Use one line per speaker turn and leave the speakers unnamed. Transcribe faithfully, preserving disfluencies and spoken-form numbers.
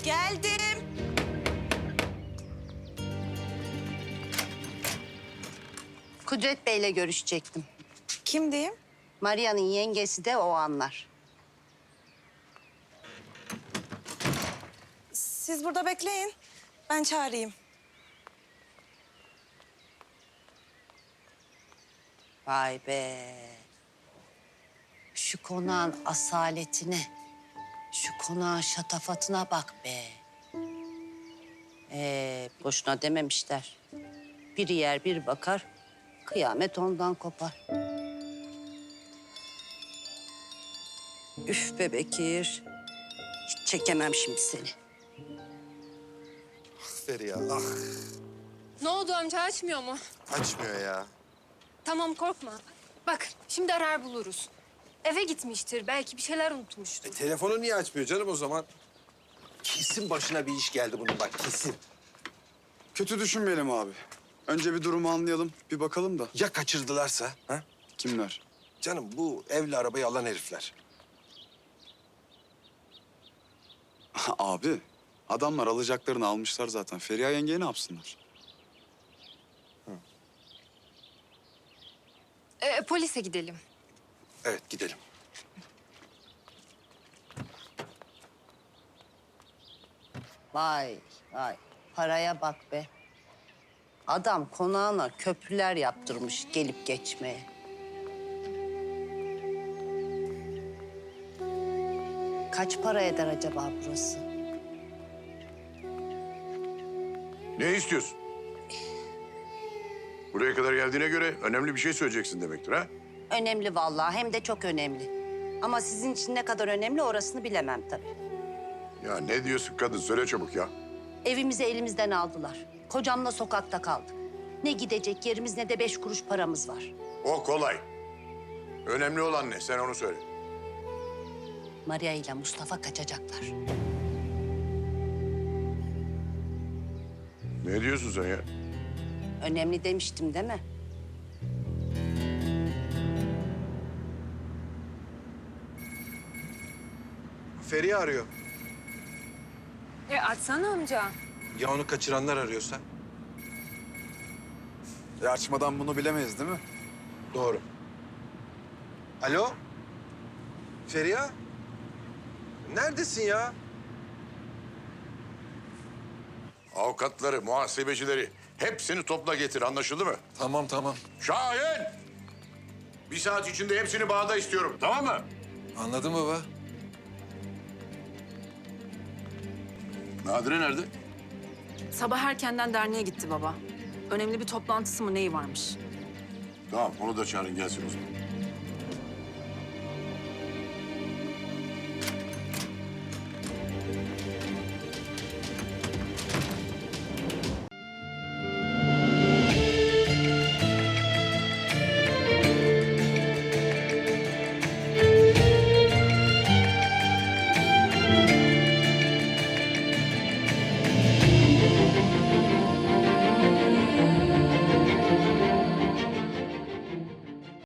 Geldim.
Kudret Bey'le görüşecektim.
Kim diyeyim?
Maria'nın yengesi de o anlar.
Siz burada bekleyin. Ben çağırayım.
Vay be. Şu konağın asaletine, şu konağın şatafatına bak be. Ee, boşuna dememişler. Bir yer bir bakar, kıyamet ondan kopar. Üf be Bekir. Hiç çekemem şimdi seni.
Feriha, ah
Ne oldu amca, açmıyor mu?
açmıyor ya.
Tamam, korkma. Bak şimdi arar buluruz. Eve gitmiştir, belki bir şeyler unutmuştur.
E, telefonu niye açmıyor canım o zaman? Kesin başına bir iş geldi bunun bak, kesin.
Kötü düşünmeyelim abi. Önce bir durumu anlayalım, bir bakalım da.
Ya kaçırdılarsa? Ha?
Kimler?
Canım bu evli arabayı alan herifler.
Abi, adamlar alacaklarını almışlar zaten. Feriha yengeye ne yapsınlar?
Ee, polise gidelim.
Evet, gidelim.
Vay vay, paraya bak be. Adam konağına köprüler yaptırmış gelip geçmeye. Kaç para eder acaba burası?
Ne istiyorsun? Buraya kadar geldiğine göre önemli bir şey söyleyeceksin demektir ha?
Önemli vallahi, hem de çok önemli. Ama sizin için ne kadar önemli orasını bilemem tabii.
Ya ne diyorsun kadın? Söyle çabuk ya.
Evimizi elimizden aldılar. Kocamla sokakta kaldık. Ne gidecek yerimiz ne de beş kuruş paramız var.
O kolay. Önemli olan ne? Sen onu söyle.
Maria ile Mustafa kaçacaklar.
Ne diyorsun sen ya?
Önemli demiştim değil mi?
Feriha arıyor.
E açsana amca.
Ya onu kaçıranlar arıyorsa?
E açmadan bunu bilemeyiz değil mi?
Doğru. Alo? Feriha? Neredesin ya?
Avukatları, muhasebecileri hepsini topla getir. Anlaşıldı mı?
Tamam, tamam.
Şahin! Bir saat içinde hepsini bağda istiyorum. Tamam mı?
Anladım baba.
Nadire nerede?
Sabah erkenden derneğe gitti baba. Önemli bir toplantısı mı neyi varmış?
Tamam, onu da çağırın gelsin o zaman.